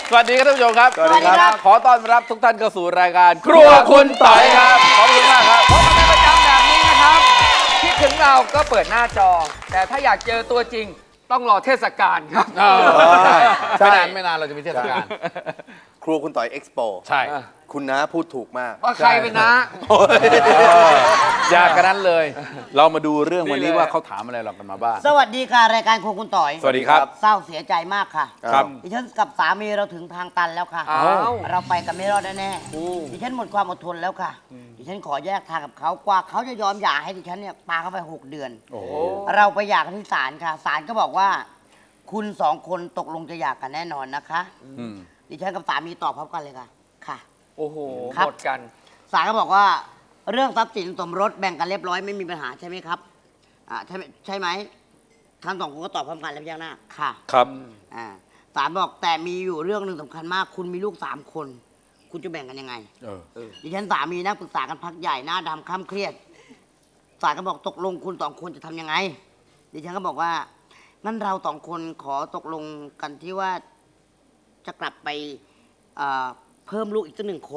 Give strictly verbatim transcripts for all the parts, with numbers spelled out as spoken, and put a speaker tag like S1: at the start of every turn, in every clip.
S1: สวัสดีครับท่านผู้ชมครับ
S2: สวัสดีครับ
S1: ขอต้อนรับทุกท่านเข้าสู่รายการครัวคุณต่อยครับขอบคุณมากครับ
S3: พบกันเป็นประจำแบบนี้นะครับคิดถึงเราก็เปิดหน้าจอ แต่ถ้าอยากเจอตัวจริงต้องรอเทศกาลครับ
S1: เออใช่ไม่นานไม่นานเราจะมีเทศกาล
S2: ครัวคุณต่อยเอ็กซ์โป
S1: ใช่
S2: คุณน้าพูดถูกมาก
S3: ว่าใครเป็นนะ
S1: อยากกันนั้นเลย เรามาดูเรื่องวันนี้
S3: นี่เลย
S1: ว่าเขาถามอะไรเรากันมาบ้าง
S4: สวัสดีค่ะ รายการโครัวคุณต่อย
S1: สวัสดีครับ
S4: เศร้าเสียใจมากค่ะ
S1: ครับ
S4: ดิฉันกับสามีเราถึงทางตันแล้วค่ะ
S3: อ้าว
S4: เราไปกันไม่รอดแน่ๆดิฉันหมดความอดทนแล้วค่ะ ดิฉันขอแยกทางกับเขากว่าเขาจะยอมหย่าให้ดิฉันเนี่ยปาเข้าไปหกเดือน
S1: โอ้โห
S4: เราไปหย่ากันที่ศาลค่ะศาลก็บอกว่า คุณสองคนตกลงจะหย่ากันแน่นอนนะคะ
S1: อืม
S4: ดิฉันกับสามีตอบพร้อมกันเลยค่ะ ค่ะ
S3: โอ้โห
S4: ครับ
S3: หมดกัน
S4: ศาลก็บอกว่า เรื่องทรัพย์สินสมรสแบ่งกันเรียบร้อยไม่มีปัญหาใช่ไหมครับอ่าใช่ไหมใช่ไหมทั้งสองคนก็ตอบพร้อมกันแล้วยังหน้าค่ะ
S1: ครับ
S4: อ่าศาลบอกแต่มีอยู่เรื่องหนึ่งสำคัญมาก คุณมีลูกสามคน คุณจะแบ่งกันยังไง
S1: เออ
S4: ดิฉันสามีนั่งปรึกษากันพักใหญ่หน้าดำคล้ำเครียดศาลก็บอกตกลงคุณสองคนจะทำยังไง ดิฉันก็บอกว่างั้นเราสองคนขอตกลงกันที่ว่าจะกลับไปเอ่อเพิ่มลูกอีกสักหนึ่งคน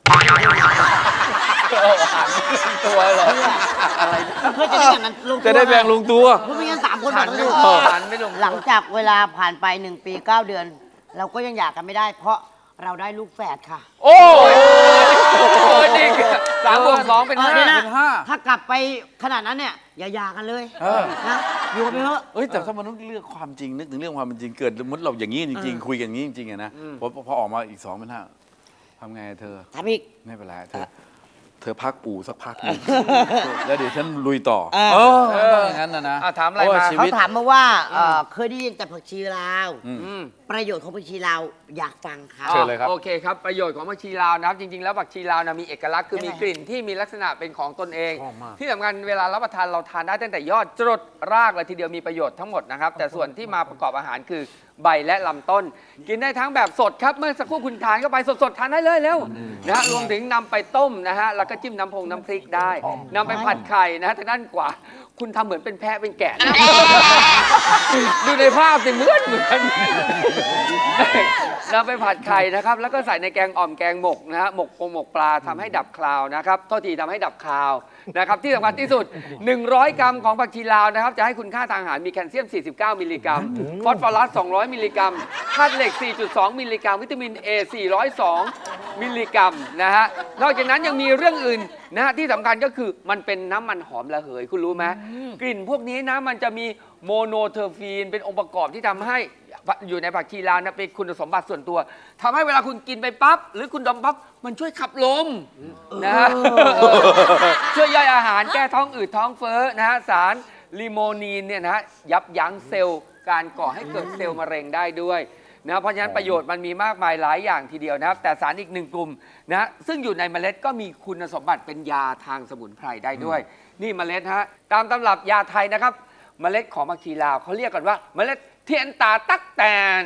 S3: ตัวเหรอ
S4: เพื่อจะได้แบ่งกันลงตัว
S1: จะได้แบ่งลงตัว
S4: เพราะไม่งั้นสามคน
S3: หั
S4: แบ่
S3: น
S4: ง
S3: ไม่
S4: กัน
S3: ล
S4: ไม่
S3: ง
S4: ถู
S3: ตัว
S4: ก
S3: หันไม่ลง
S4: หลังจากเวลาผ่านไปหนึ่งปีเก้าเดือน เราก็ยังหย่ากันไม่ได้ เพราะเราได้ลูกแฝดค่ะ
S3: โอ้ยจริงสามบวกสองเป็น
S4: เออ
S3: ห้า
S4: เดี๋ยวนะ
S1: เป็นห้า
S4: ถ้ากลับไปขนาดนั้นเนี่ยอย่าหย่ากันเลย
S1: เออ
S4: นะอยู่กันไปเถอะ
S1: เอ้ยแต่ถ้ามนุษย์เลือกความจริงนึกถึงเรื่องความเป็นจริงเกิดสมมติเราอย่างนี้จริงๆคุยกันอย่างนี้จริงๆอะนะพอพอออกมาอีกสองเป็นห้าทำไงเธอ
S4: ถามอีก
S1: ไม่เป็นไรเธอ เธอพักปู่สักพักหนึงแล้วเดี๋ยวฉันลุยต่อ
S4: เออ
S1: เออต้องอย่างนั้นนะนะ
S3: อ่ะถามอะไร
S1: เพว่
S3: มา
S1: ชี
S4: เขา
S1: วิต
S4: ถามมาว่าเอ่อเคยได้ยินแต่ผักชีลาว
S1: อืม
S3: อืม
S4: ประโยชน์ของผักชีลาวอยากฟังค่ะ
S1: เชิญเลยครับ
S3: โอเคครับ ประโยชน์ของผักชีลาวนะครับ จริง ๆ แล้วผักชีลาวนะมีเอกลักษณ์คือ
S4: ยังไง
S3: มีกลิ่นที่มีลักษณะเป็นของตนเอง
S1: ชอบมาก
S3: ที่สำคัญเวลารับประทานเราทานได้ตั้งแต่ยอดจรดรากเลยทีเดียวมีประโยชน์ทั้งหมดนะครับ แต่ส่วนที่มาประกอบอาหารคือใบและลำต้น กินได้ทั้งแบบสดครับ เมื่อสักครู่คุณทานเข้าไปสดๆทานได้เลยเร็วนะฮะรวมถึงนำไปต้มนะฮะแล้วก็จิ้มน้ำพงน้ำพริกได้นำไปผัดไข่นะฮะทางด้านขวาคุณทำเหมือนเป็นแพะเป็นแกะนะ ดูในภาพสิเหมือนเหมือนนำไปผัดไข่นะครับ แล้วก็ใส่ในแกงอ่อมแกงหมกนะฮะหมกปงหมกปลาทำให้ดับคาวนะครับโทษทีทำให้ดับคาวนะครับที่สำคัญที่สุด หนึ่งร้อย กรัมของผักชีลาวนะครับจะให้คุณค่าทางอาหารมีแคลเซียม สี่สิบเก้า มิลลิกรัม ฟอสฟอรัส สองร้อย มิลลิกรัมธาตุเหล็ก สี่จุดสอง มิลลิกรัม วิตามิน A สี่ร้อยสอง มิลลิกรัมนะฮะนอกจากนั้นยังมีเรื่องอื่นนะฮะที่สำคัญก็คือมันเป็นน้ำมันหอมระเหยคุณรู้ไหมกลิ่นพวกนี้นะมันจะมีโมโนเทอร์ฟีนเป็นองค์ประกอบที่ทำให้อยู่ในผักชีลาวนะเป็นคุณสมบัติส่วนตัวทำให้เวลาคุณกินไปปั๊บหรือคุณดมปั๊บมันช่วยขับลมนะฮะช่วยย่อยอาหารแก้ท้องอืดท้องเฟ้อนะฮะสารลิโมนีนเนี่ยนะฮะยับยั้งเซลล์การก่อให้เกิดเซลล์มะเร็งได้ด้วยนะเพราะฉะนั้นประโยชน์มันมีมากมายหลายอย่างทีเดียวนะครับแต่สารอีกหนึ่งกลุ่มนะซึ่งอยู่ในเมล็ดก็มีคุณสมบัติเป็นยาทางสมุนไพรได้ด้วย นี่เมล็ดฮะตามตำรับยาไทยนะครับเมล็ดของผักชีลาวเขาเรียกกันว่าเมล็ดเทียนตาตักแตน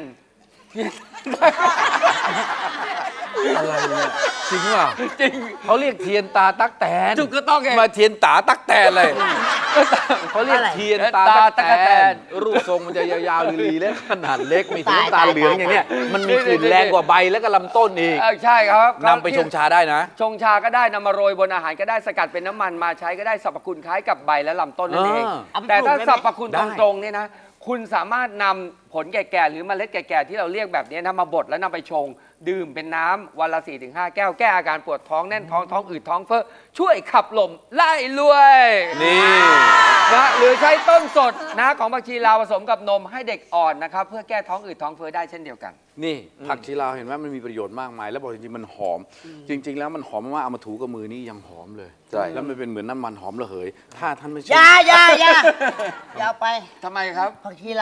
S1: อะไรเนี่ยจริงเปล่า
S3: จริง
S1: เขาเรียกเทียนตาตักแตน
S3: ถูกก็ต้องไง
S1: มาเทียนตาตักแตนเลยเขาเรียกเทียนตาตัก
S3: ตาตั๊ก
S1: แต
S3: แต
S1: น
S3: น
S1: รูปทรงมันจะยาวๆลีๆและขนาดเล็กมีสีน้ำตาลเหลืองอย่างเนี้ยมันมีกลิ่นแรงกว่าใบและก็ลำต้นอีก
S3: เออใช่ครับ
S1: นำไปชงชาได้นะ
S3: ชงชาก็ได้นำมาโรยบนอาหารก็ได้สกัดเป็นน้ำมันมาใช้ก็ได้สรรพคุณคล้ายกับใบและลำต้นนั่นเอง
S1: อ่า
S3: แต่ถ้า
S4: เอาไปปลูกได้ไหม
S3: สรรพคุณ
S1: ได้
S3: ตรงๆเนี่ยนะคุณสามารถนำผลแก่ๆหรือเมล็ดแก่ๆที่เราเรียกแบบนี้นะมาบดแล้วนำไปชง ดื่มเป็นน้ำวันละ สี่ถึงห้า แก้วแก้อาการปวดท้องแน่นท้องท้องอืดท้องเฟ้อช่วยขับลมไล่รวย
S1: นี่
S3: นะหรือใช้ต้นสดนะของผักชีลาวผสมกับนมให้เด็กอ่อนนะครับเพื่อแก้ท้องอืดท้องเฟ้อได้เช่นเดียวกัน
S1: นี่ผักชีลาวเห็นไหมมันมีประโยชน์มากมาย แล้วบอกจริงๆมันหอม จริง ๆ แล้วมันหอมมากๆเอามาถูกับมือนี่ยังหอมเลย
S2: ใช่
S1: แล้วมันเป็นเหมือนน้ำมันหอมระเหย ถ้าท่านไม่
S4: อ
S1: เชื่
S4: ย่าอย่าอย่าอย่าเอาไป
S3: ทำไมครับ
S4: ผักชีเรา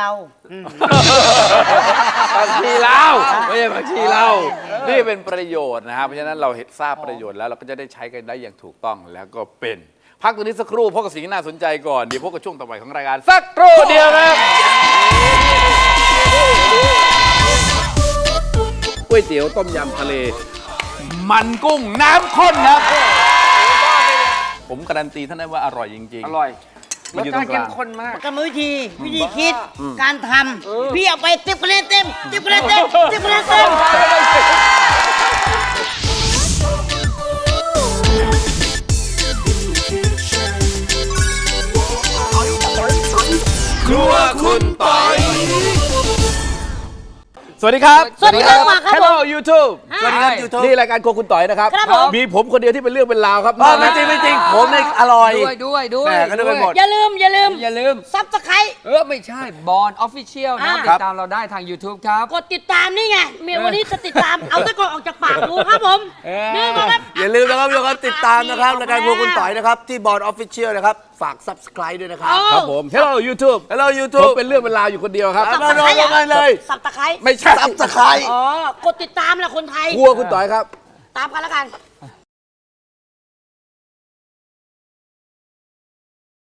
S1: ผักชีลาวไม่ใช่ผักชีลาวนี่เป็นประโยชน์นะครับเพราะฉะนั้นเราเห็นทราบประโยชน์แล้วเราก็จะได้ใช้กันได้อย่างถูกต้องแล้วก็เป็นพักตัวนี้สักครู่พบกับสิ่งที่น่าสนใจก่อนเดี๋ยวพบกับช่วงต่อไปของรายการสักครู่เดียวครับก๋วยเตี๋ยวต้มยำทะเล มันกุ้งน้ำข้นครับ ผมการันตีท่านได้ว่าอร่อยจริงๆ
S3: อร่อย
S1: มั
S3: ร
S1: น
S3: ส
S1: อยู่
S3: ชา
S1: ตรงกลาง
S3: ติเข้มข้นมาก
S4: กรรมวิธีวิธีคิดการทำพี่เอาไปติ๊บคะแนนเต็มติ๊บคะแนนเต็มติ๊บคะแนนเต็ม
S1: สวัสดีครับ
S5: สวัสดีครับครับผม
S1: Hello YouTube
S2: สวัสดีครับ YouTube
S1: นี่รายการโครัวคุณต่อยนะครับ
S5: ครับผม
S1: มีผมคนเดียวที่เป็นเรื่องเป็นราวครับ
S2: อ๋อไม่จริงไม่จริงผมเนี่ยอร่อย
S3: ด้วยด้วยด้วย
S2: แหม่ก็นึกไปหมด
S5: อย่าลืม อย่าลืม
S3: อย่าลืม
S5: ซับสไครต์
S3: เออ ไม่ใช่บอลออฟฟิเชียลนะครับ
S5: อ่า
S3: ติดตามเราได้ทาง YouTube ครับ
S5: กดติดตามนี่ไงเมียวันนี้จะติดตาม เอาตะกอนออกจากปากกูครับผม
S3: เออ
S5: นี่ก็ครับ
S2: อย่าลืมนะครับทุกคนติดตามนะครับรายการครัวคุณต่อยนะครับ ที่บอร์ดออฟฟิเชียลนะครับ ฝาก Subscribe ด้วยนะครับ
S1: ครับผม Hello YouTube
S2: Hello
S1: ผม
S2: YouTube
S1: เป็นเรื่องเป็นราวอยู่คนเดียวครับ
S2: มาโดนกันเลย
S5: สับตะไคร้
S1: ไม่ใช่
S2: Subscribe
S5: อ๋อ กดติดตามแหละคนไทย
S1: ครัวคุณต่อยครับ
S5: ตามกันแล้วกัน